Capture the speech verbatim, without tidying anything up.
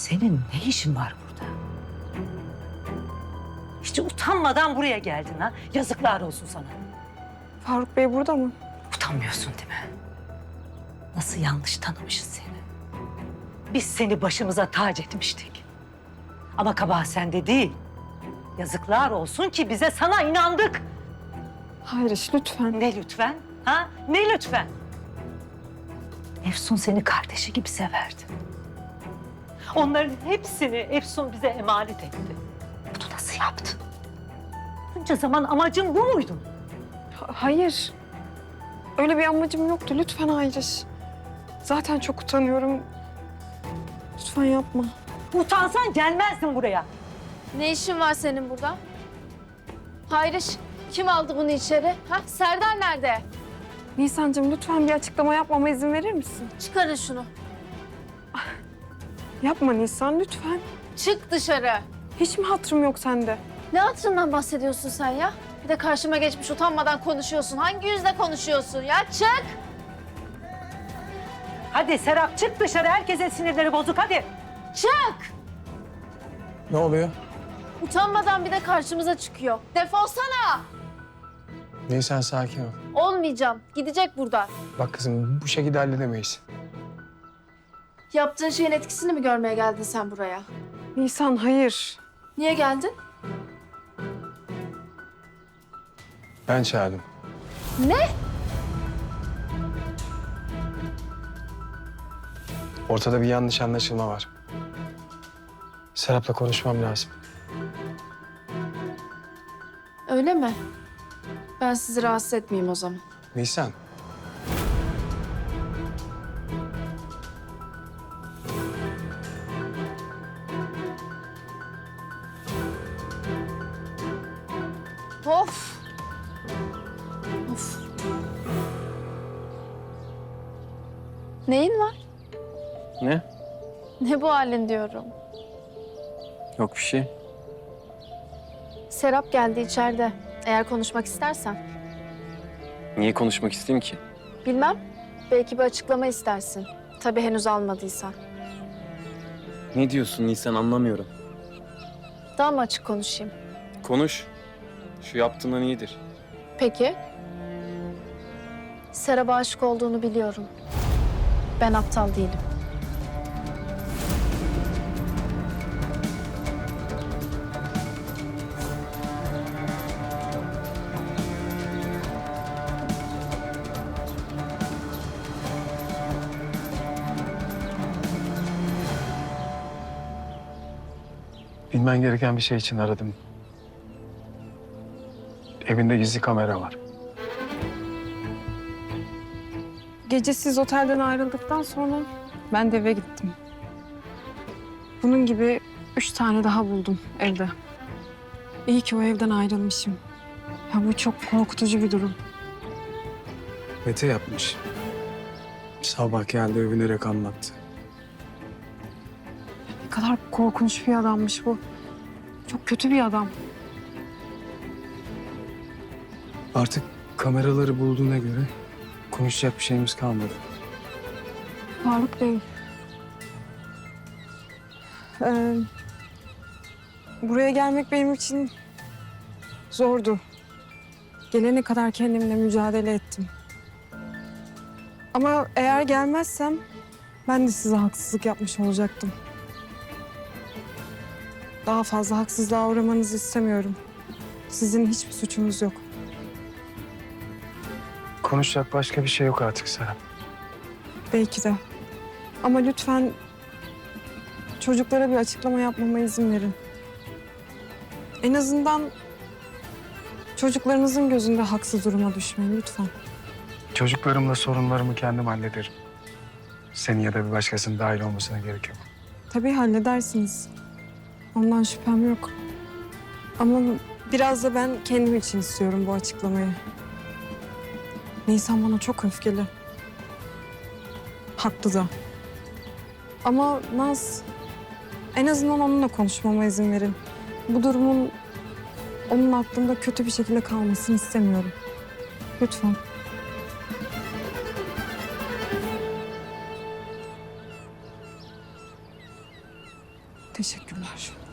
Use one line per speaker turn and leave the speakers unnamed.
Senin ne işin var burada? Hiç utanmadan buraya geldin ha. Yazıklar olsun sana.
Faruk Bey burada mı?
Utanmıyorsun değil mi? Nasıl yanlış tanımışız seni. Biz seni başımıza tac etmiştik. Ama kabahat sende değil. Yazıklar olsun ki bize sana inandık.
Hayriş lütfen.
Ne lütfen? Ha? Ne lütfen? Efsun seni kardeşi gibi severdi. Onların hepsini Efsun bize emanet etti. Bunu nasıl yaptın? Bunca zaman amacın bu muydu?
Ha- hayır. Öyle bir amacım yoktu. Lütfen Hayriş. Zaten çok utanıyorum. Lütfen yapma.
Utansan gelmezdin buraya.
Ne işin var senin burada? Hayriş, kim aldı bunu içeri? Ha? Serdar nerede?
Nisan'cığım lütfen bir açıklama yapmama izin verir misin?
Çıkarın şunu.
Yapma Nisan lütfen.
Çık dışarı.
Hiç mi hatırım yok sende?
Ne hatırından bahsediyorsun sen ya? Bir de karşıma geçmiş utanmadan konuşuyorsun. Hangi yüzle konuşuyorsun ya? Çık!
Hadi Serap çık dışarı. Herkesin sinirleri bozuk hadi.
Çık!
Ne oluyor?
Utanmadan bir de karşımıza çıkıyor. Defolsana!
Nisan sakin ol.
Olmayacağım. Gidecek buradan.
Bak kızım bu şekilde halledemeyiz.
Yaptığın şeyin etkisini mi görmeye geldin sen buraya?
Nisan hayır.
Niye geldin?
Ben çağırdım.
Ne?
Ortada bir yanlış anlaşılma var. Serap'la konuşmam lazım.
Öyle mi? Ben sizi rahatsız etmeyeyim o zaman.
Nisan.
Of! Of! Neyin var?
Ne?
Ne bu halin diyorum.
Yok bir şey.
Serap geldi içeride. Eğer konuşmak istersen.
Niye konuşmak isteyeyim ki?
Bilmem. Belki bir açıklama istersin. Tabii henüz almadıysan.
Ne diyorsun Nisan, anlamıyorum.
Daha mı açık konuşayım?
Konuş. Şu yaptığından iyidir.
Peki. Serap'a aşık olduğunu biliyorum. Ben aptal değilim.
Bilmen gereken bir şey için aradım. Evinde gizli kamera var.
Gece siz otelden ayrıldıktan sonra ben de eve gittim. Bunun gibi üç tane daha buldum evde. İyi ki o evden ayrılmışım. Ya bu çok korkutucu bir durum.
Mete yapmış. Sabah geldi övünerek anlattı.
Ne kadar korkunç bir adammış bu. Çok kötü bir adam.
Artık kameraları bulduğuna göre konuşacak bir şeyimiz kalmadı.
Faruk Bey. Ee, buraya gelmek benim için zordu. Gelene kadar kendimle mücadele ettim. Ama eğer gelmezsem ben de size haksızlık yapmış olacaktım. Daha fazla haksızlığa uğramanızı istemiyorum. Sizin hiçbir suçunuz yok.
Konuşacak başka bir şey yok artık Serap.
Belki de. Ama lütfen çocuklara bir açıklama yapmama izin verin. En azından çocuklarınızın gözünde haksız duruma düşmeyin lütfen.
Çocuklarımla sorunlarımı kendim hallederim. Senin ya da bir başkasının dahil olmasına gerek yok.
Tabii halledersiniz. Ondan şüphem yok. Ama biraz da ben kendim için istiyorum bu açıklamayı. Nisan bana çok öfkeli. Haklı da. Ama Naz, en azından onunla konuşmama izin verin. Bu durumun onun aklında kötü bir şekilde kalmasını istemiyorum. Lütfen. Teşekkürler.